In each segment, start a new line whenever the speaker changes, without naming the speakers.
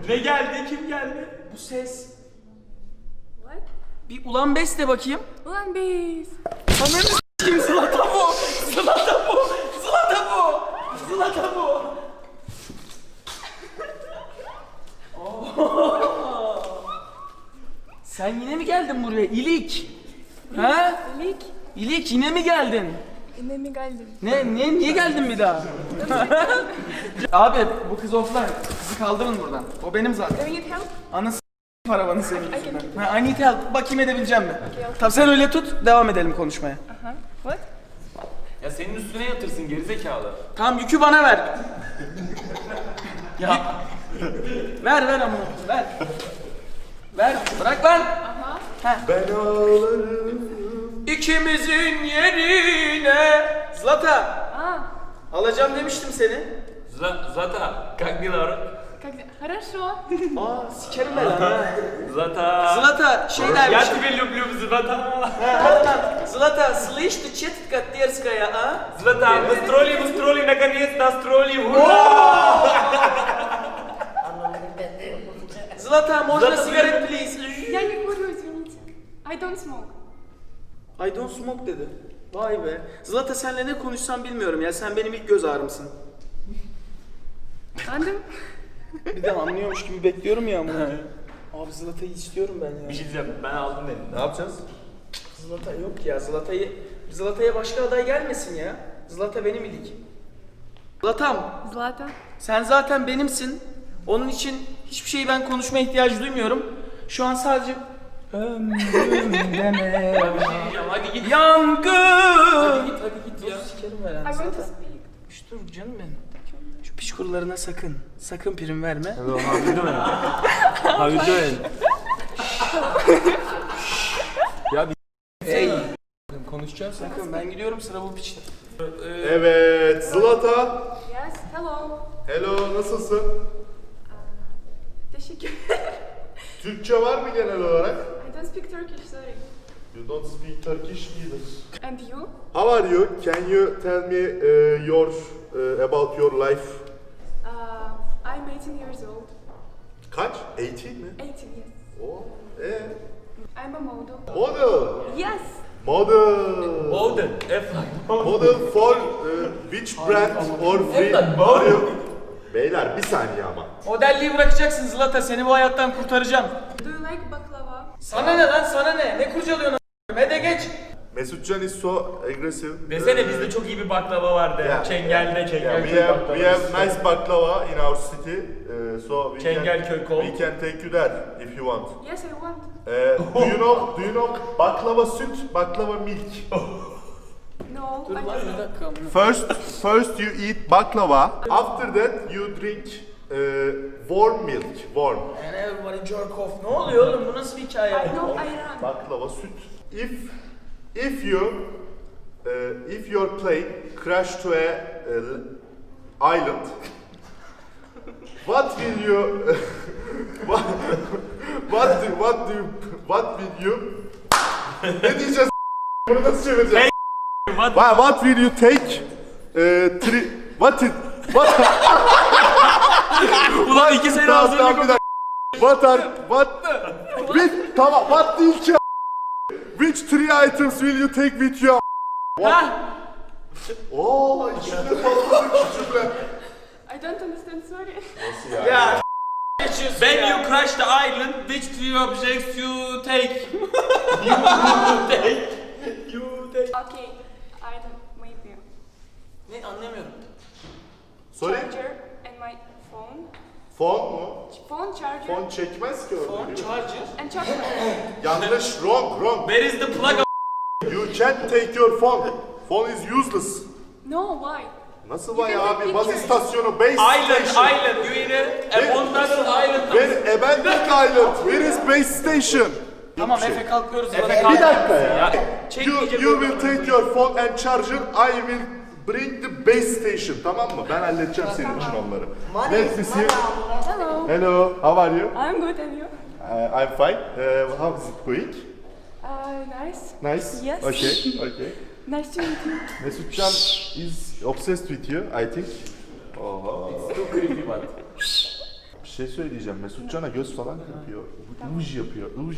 Ne geldi? Kim geldi?
Bu ses.
What?
Bir ulan bes de bakayım.
Ulan biz.
Ananı s**eyim, Zlata bu. Zlata bu. Zlata bu. Zlata bu. Oo. Sen yine mi geldin buraya İlik? Ha?
İlik.
İlik yine mi geldin?
Yine mi geldin?
Niye geldin bir daha? Abi bu kız offline. Kızı kaldırın buradan. O benim zaten.
Do you need help?
Anası paravanı senin
I
yüzünden. Ha, I need help. Bakayım edebileceğim mi? Tamam sen öyle tut. Devam edelim konuşmaya.
What?
Ya senin üstüne yatırsın gerizekalı.
Tamam yükü bana ver. Ya. ver ama. Ver. Ver. Bırak lan.
Ben ağlarım.
İkimizin yerine. Zlata.
Ah,
Alacağım demiştim seni.
Zlata, как дела?
как дела? Хорошо.
Aa sikerim ben lan.
Zlata.
Zlata şey
Я
dermiş.
тебя люблю, Zlata.
Hadi lan. Zlata, слышь ты четко дерзкая, а?
Zlata, мы строили, наконец настроили. Ура!
Zlata, можно сигарет, please?
Я не курю, извините. I don't smoke.
I don't smoke dedi. Vay be. Zlata senle ne konuşsam bilmiyorum ya. Sen benim ilk göz ağrımsın.
Anladım.
Bir de anlıyormuş gibi bekliyorum ya ama. Abi Zlata'yı istiyorum ben ya.
Bir şey diyeceğim, ben aldım beni.
Ne yapacağız?
Zlata yok ya. Zlata'ya başka aday gelmesin ya. Zlata benim ilik. Zlatam,
Zlata.
sen zaten benimsin. Onun için hiçbir şeyi ben konuşmaya ihtiyacı duymuyorum. Şu an sadece ömrüm deme.
Hadi git.
Yangın.
Hadi git ya.
Sikerim ben
I
lan
want to
Zlata.
speak.
Şş, dur canım benim. Şu piç kurularına sakın prim verme.
Hello, how you doing? How you doing? Ya bir
Hey.
konuşacağız.
Sakın ben gidiyorum sıra bu piçte.
Evet, Zlata.
Yes, hello.
Hello, nasılsın?
Teşekkür.
Türkçe var mı genel olarak?
I don't speak Turkish, sorry.
You don't speak Turkish either.
And you?
How are you? Can you tell me about your life?
I'm 18 years old.
Kaç? 18 mi?
18, yes.
Oh,
I'm a model.
Model.
Yes.
Model.
Olden,
Model for which brand or free are you? Beyler bir saniye ama.
Modelliği bırakacaksın Zlata, seni bu hayattan kurtaracağım.
Do you like baklava?
Sana ne lan, sana ne? Ne kurcalıyorsun a**? Hadi geç.
Mesutcan is so aggressive.
Desene bizde çok iyi bir baklava vardı.
Yeah.
Çengel'de
Yeah, we have nice baklava in our city, so
Çengelköy kol.
we can take you there if you want.
Yes, I want.
Do you know baklava süt, baklava milk?
No,
Dur
I
lan bir
don't.
dakika amına.
First you eat baklava. After that you drink warm milk. Warm.
And everybody jerk off. Ne oluyor oğlum, bu nasıl bir hikaye?
I know ayran.
Baklava süt. If your plane crash to a island, what will you what will you ne diyeceğiz? Bunu nasıl çevireceğiz? What will you take? What?
Ulan 2 sene
Tamam,
hazırlık
bir dakika. What değil ki? Which three items will you take with you?
Ha?
Oo, içinde patladı küçükler.
I don't understand, sorry.
Ya geçiyorsun
When
ya.
you crash the island, which three objects you take?
Okay, I don't, maybe.
Ne anlamıyorum.
Sorry?
Charger and my phone.
Phone mu?
Phone charger
Phone çekmez ki
Phone
öyle.
charger.
and chocolate.
Yanlış, wrong.
Where is the plug of
You can't take your phone. Phone is useless.
No, why?
Nasıl
You
vay
can take
abi? Baz
pictures.
istasyonu, base
island,
station.
island? You in a abandoned island?
Where abandoned island? Where is base station?
Tamam
Yok bir
Efe kalkıyoruz.
Efe
Zlata.
kalk.
Bir dakika ya.
Ya,
You
çekmeyecek
will take your phone and charger. I will bring the base station. Tamam mı? Ben halledeceğim senin için onları. Let's see.
Hello.
Hello. How are you?
I'm good, and you?
I'm fine. How is it going?
Nice.
Nice.
Yes.
Okay.
Nice to meet you.
Mesutcan is obsessed with you, I think. Oha.
Too creepy but.
Bir şey söyleyeceğim. Mesutcan'a göz falan yapıyor. Uj yapıyor. Uj.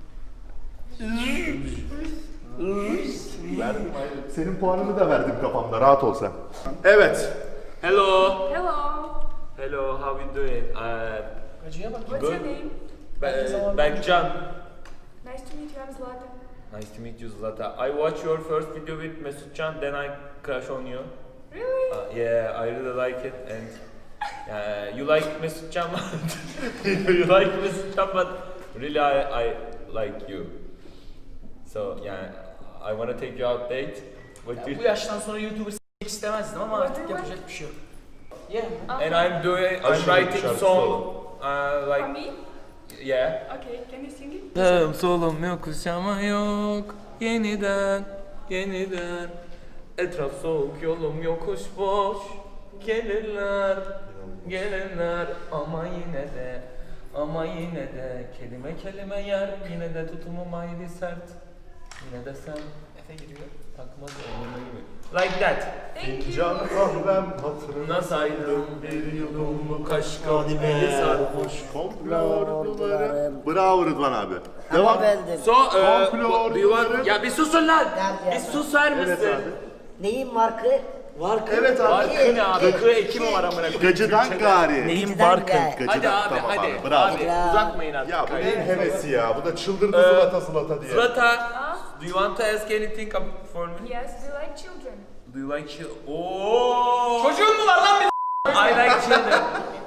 Verdim hayır. Senin puanını da verdim kafamda. Rahat ol sen. Evet.
Hello.
Hello.
Hello, how you doing?
Acıya bak.
What's your name?
Berkcan.
Nice to meet you. I'm Zlata.
Nice to meet you, Zlata. I watched your first video with Mesutcan, then I crush on you.
Really?
Yeah, I really like it, and you like Mesutcan, you like Mesutcan, but really I like you. So yeah, I wanna take you out date. What do
Bu
you?
yaştan sonra YouTube'u s**mek istemezdim ama artık yapacak bir şey yok. Yeah.
And I'm
Aşırı
writing
şarkı
song,
For
like
me?
yeah.
Okay, can you sing it?
Sağım solum yokuş ama yok. Yeniden, yeniden. Etraf soğuk, yolum yokuş boş. Gelirler, gelirler. Ama yine de kelime kelime yer. Yine de tutumum ayrı sert. Yine de sen Efe giriyor. Takmaz önüme gibi. Like that.
Thank
Fincan
you.
kahvem hatırına.
Nasıl ayrıldım bir yudum kaşka eli sarhoş.
Komplo duvarım. Bravo Rıdvan abi. Devam.
Ama bendim.
So,
Komplo
do you want...
duvarım.
Ya bir susun lan!
Gel,
Bir susar mısın?
Evet abi.
Neyin markı? Markı.
Evet abi.
Barkı ne abi? Kı eki mi var amına koyayım?
Gacıdan gari.
Neyin
Gacıdan
barkı?
gel.
Hadi
Gacıdan,
abi
tamam
hadi.
abi, bravo.
Abi
Ya.
uzatmayın artık.
Ya bu
kaydı.
neyin hevesi ya? Bu da çıldırdı Zlata Zlata diye.
Zlata, do you want to ask anything for me?
Yes, do you like children?
Do you like children? Oh!
Çocuğun mu var lan bir
I like children.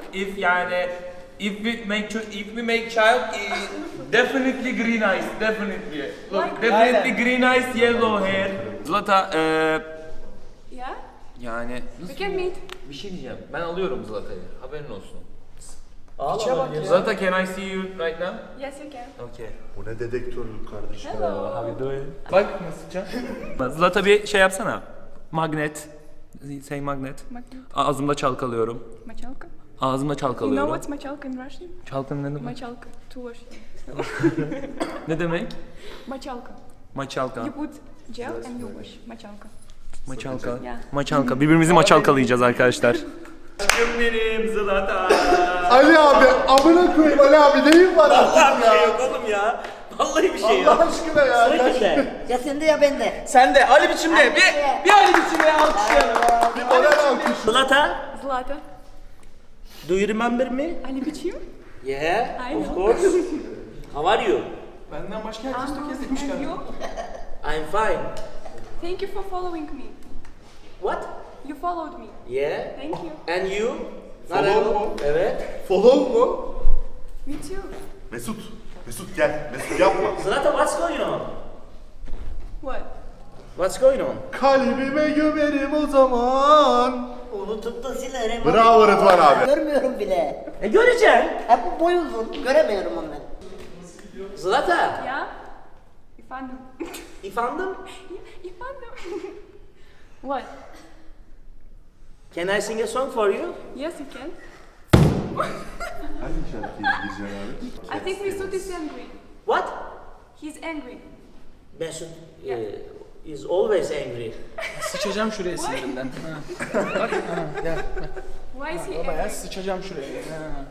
If we make child, definitely green eyes, definitely. Look, definitely green eyes, yellow hair. Zlata,
Yeah?
yani
We can meet.
bir şey diyeceğim. Ben alıyorum Zlata'yı. Haberin olsun.
Piçe bak ya.
Zlata, can I see you right now?
Yes, you can.
Okay.
Bu ne dedektörlük kardeşim.
Hello.
Bak Mesutcan. Zlata bir şey yapsana. Magnet. Say magnet.
Magnet.
Ağzımda çalkalıyorum.
Machalka.
Ağzımda
You know
çalkalıyorum.
what's machalka in Russian?
Çalkan ne demek?
Machalka. To wash.
Ne demek?
Machalka.
Maçalka.
You put gel and you wash. Machalka.
Maçalka.
Yeah.
Maçalka. Birbirimizi maçalkalayacağız arkadaşlar. Aşkım benim Zlata.
Ali abi, amına koyayım Ali abi neyin var artık ya?
yok oğlum ya. Vallahi bir şey
Allah aşkına ya.
Ya sende ya bende.
Sen de Ali biçimde bir Ali biçimde alkışlayalım.
Bir moral alkış.
Zlata,
Zlata.
do you remember me?
Ali biçim?
Yeah,
I
of
know.
course. How are you?
Benden başka herkes tökezlemiş
And
galiba.
you?
I'm fine.
Thank you for following me.
What?
You followed me.
Yeah.
Thank you.
And you?
Follow
Not at all.
mu?
Evet.
Follow mu?
Me too.
Mesut gel. Mesut yapma.
Zlata, what's going on?
What?
What's going on?
Kalbime gömerim o zaman.
Unutup da silerim.
Bravo Rıdvan abi.
Görmüyorum bile. Göreceğim. Hep bu boy uzun. Göremiyorum onu ben. Zlata,
Yeah? Efendim.
efendim?
Efendim. What?
Can I sing a song for you?
Yes, you can.
Hangi şarkıyı izleyeceksin abi?
I think Mesut is angry.
What?
He's angry.
Mesut is always angry.
Sıçacağım şuraya sinirinden. Ha. Bak, ha, gel.
Why is he
Bayağı
angry?
sıçacağım şuraya. Ha.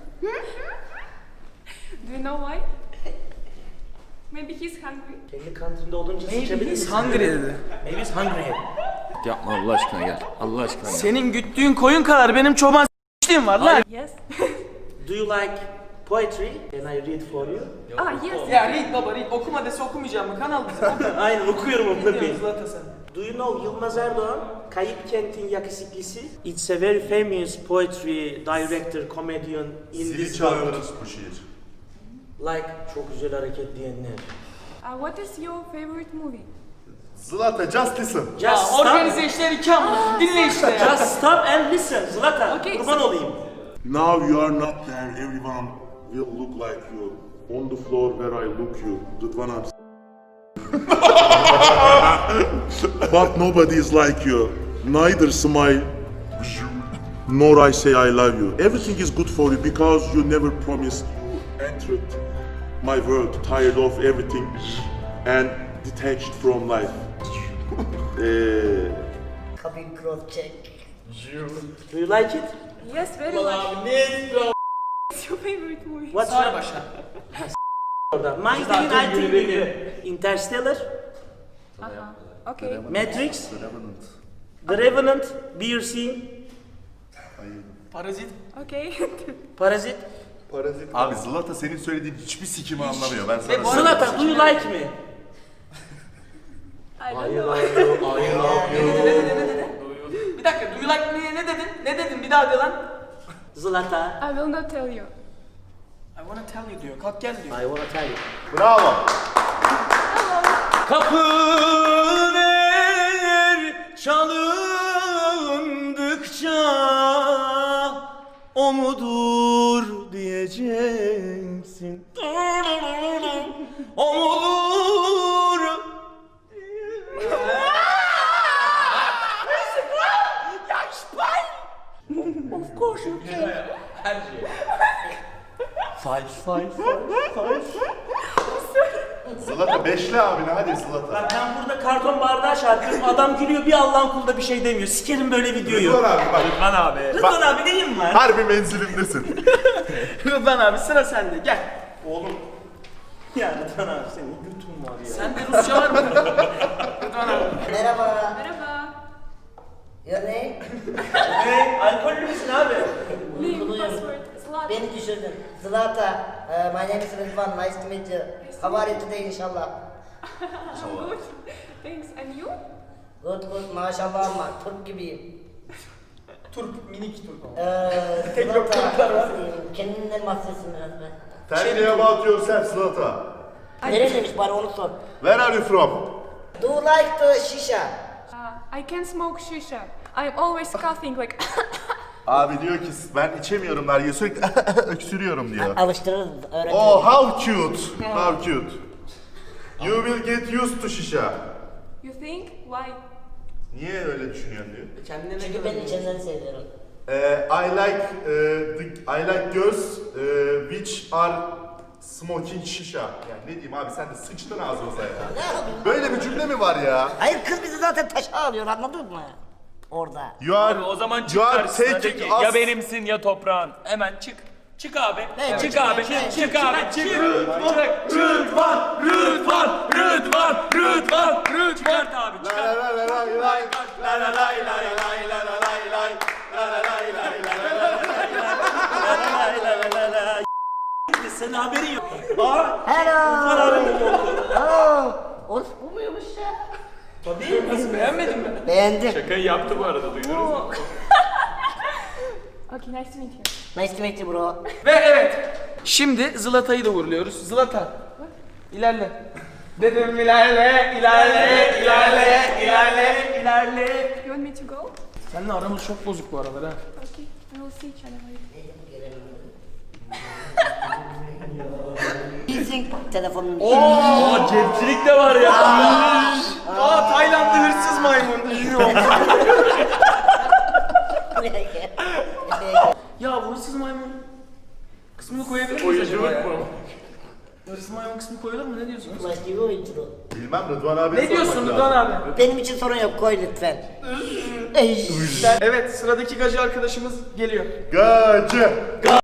Do you know why? Maybe he's hungry.
Kendi kantinde olunca
Maybe
sıçabilir
he's
misin?
hungry dedi.
Maybe he's hungry.
Yapma Allah aşkına gel. Allah aşkına gel.
Senin güttüğün koyun kadar benim çoban s**liğim var lan.
Yes.
Do you like poetry? Can I read for you?
Yes.
Ya read baba read. Okuma dese okumayacağım mı? Kanal bizim.
Aynen okuyorum
Ne
onları.
diyorsun Zlata sen?
Do you know Yılmaz Erdoğan? Kayıp Kent'in yakışıklısı. It's a very famous poetry director, comedian in
Zili
this world.
çalıyoruz bu şiir.
Like çok güzel hareket diyenler.
What is your favorite movie?
Zlata just listen.
Just
Ya
stop.
organize işler iki anlıyorsun. Dinle işte ya.
Just stop and listen. Zlata,
Okay,
kurban olayım.
Now you are not there, everyone will look like you. On the floor where I look you, Rıdvan abi. But nobody is like you. Neither smile, nor I say I love you. Everything is good for you because you never promised you entered my world, tired of everything and detached from life.
Kabin cross check. Do you like it?
Yes, very much. your favorite movie?
What's
Sağ
your...
başla.
orada? Mine
Zaten
I think
görevi.
Interstellar,
Okay.
Matrix, The Revenant, Beer Scene,
Parazit.
Okay.
Parazit.
Parazit. Abi Zlata senin söylediğin hiçbir sikimi anlamıyor. Ben sana
Ve bu
söyleyeyim.
arada-
Zlatan, do you like me?
I don't know.
Bir dakika, do you like me ne dedin? Ne dedin? Bir daha de lan.
Zlata,
I will not tell you.
I wanna tell you diyor. Kalk gel diyor.
I wanna tell you.
Bravo.
Kapılar çalındıkça o mudur diyeceksin. O mudur?
Of course you can.
Her şey.
Five.
Zlata beşli abine hadi Zlata.
Bak ben burada karton bardağı şarkıyorum, adam gülüyor, bir Allah'ın kulu da bir şey demiyor. Sikerim böyle videoyu.
Rıdvan abi bak.
Rıdvan abi.
Rıdvan abi neyim var?
Harbi menzilimdesin.
Rıdvan abi sıra sende gel.
Oğlum. Ya Rıdvan abi senin götün var ya.
Sende Rusça var mı? Rıdvan abi.
Merhaba.
Merhaba.
Your name?
Ne? Alkollü müsün abi?
Name, password, Zlatan.
Beni düşürdün. Zlata. My name is Rıdvan. Nice to meet you. How are you today inşallah?
I'm good. Thanks. And you?
Good. Maşallah ama Türk gibiyim.
Turp, minik turp.
Zlata. Kendinden bahsetsin biraz be.
Tell me about yourself Zlata.
Nereliymiş bari onu sor.
Where are you from?
Do you like the shisha?
I can smoke shisha. I'm always coughing like.
Abi diyor ki ben içemiyorum der ya sürekli öksürüyorum diyor.
Alıştırırız öğretmenim.
Oh how cute. How cute. You will get used to shisha.
You think? Why?
Niye öyle düşünüyorsun diyor.
Kendine ne
Çünkü ben içinden seviyorum.
I like girls which are smoking shisha. Yani ne diyeyim abi sen de sıçtın ağzımıza ya. Böyle bir cümle mi var ya?
Hayır kız bizi zaten taşa alıyor anladın mı? Orada.
You are,
O zaman çık
you are
karşısına de
taking
ki
us...
ya benimsin ya toprağın. Hemen çık. Çık abi. Çık abi. Çık abi. Çık. Rıdvan. Çıkart abi.
La
Çıkart.
la la la la la la la la la la la
Senin haberin yok.
Hello. Orası bu muymuş ya?
beğenmedin mi?
Beğendim.
Şakayı yaptı bu arada duydunuz mu?
Okay, nice to meet you.
Nice to meet you bro.
Ve evet. Şimdi Zlata'yı da uğurluyoruz. Zlata. İlerle. Dedim ilerle.
You want me to go?
Seninle aramız çok bozuk bu aralar ha.
Okay, we will see each other later.
Leasing telefonun.
Aa cepçilik de var ya.
Aa Taylandlı hırsız maymun.
Buraya gel.
Ya bu hırsız maymun kısmını koyabilir miyiz acaba ya? Hırsız maymun kısmı koyulur mu? Ne diyorsunuz?
Başka bir oyuncu.
Bilmem Rıdvan abi.
Ne diyorsun Rıdvan abi?
Benim için sorun yok koy lütfen.
Evet sıradaki gacı arkadaşımız geliyor.
Gacı.